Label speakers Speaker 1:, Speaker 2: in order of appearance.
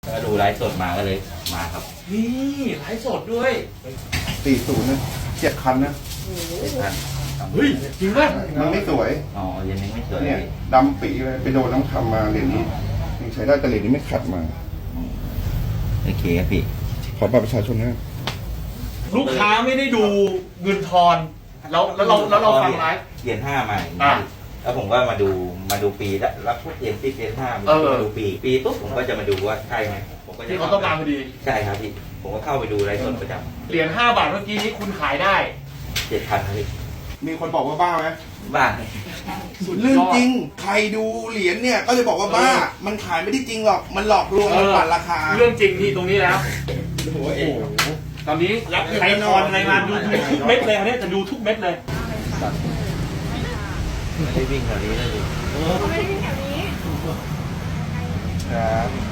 Speaker 1: ก็ดูไลฟ์สดมาก็เลยมาครับ
Speaker 2: นี่ไลฟ์สดด้วย
Speaker 3: 40นะ7 คันนะ
Speaker 1: ท่าน
Speaker 2: เฮ้ยจริงป่ะ
Speaker 3: มันไม่สวย
Speaker 1: อ๋อเหรียญนี้ไม่สวย
Speaker 3: เนี่ยดำปีเลยไปโดนน้องทำมาเหรียญนี้ยังใช้ได้แต่เหรียญนี้ไม่ขัดมา
Speaker 1: โอเคครับพี่
Speaker 3: ขอบัตรประชาชนนะ
Speaker 2: ลูกค้าไม่ได้ดูเงินทอนแล้วเราฟังไลฟ์
Speaker 1: เหรียญ5มา
Speaker 2: อ่ะ
Speaker 1: แล้วผมก็มาดูปีแล้วพวกเหรียญ10เหรียญ5ผมก็มาดูปีปุ๊บผมก็จะมาดูว่าใช่ไหมผมก็จะ
Speaker 2: ที่เขาต้องการพอดี
Speaker 1: ใช่ครับพี่ผมก็เข้าไปดูไลฟ์สดประจ
Speaker 2: เหรียญ5 บาทเมื่อกี้นี้คุณขายได้
Speaker 1: ำ7,000ครับพี่
Speaker 3: มีคนบอกว่าบ้าไหม
Speaker 1: บ้าน
Speaker 3: เรื่องจริงใครดูเหรียญเนี่ยก็จะบอกว่าบ้า มันขายไม่ได้จริงหรอกมันหลอกลวงมันปั่นราคา
Speaker 2: เรื่องจริงนี่ตรงนี้แล้ว
Speaker 3: โอ้โห
Speaker 2: ตอนนี้ใครทอนอะไรมาดูทุกเม็ดเลยอันนี้จะดูทุกเม็ดเลย
Speaker 1: ไม่ได้วิ่งแถวนี้เลยดิ
Speaker 4: เขาไม่ได้มีแถวนี้
Speaker 3: ครับ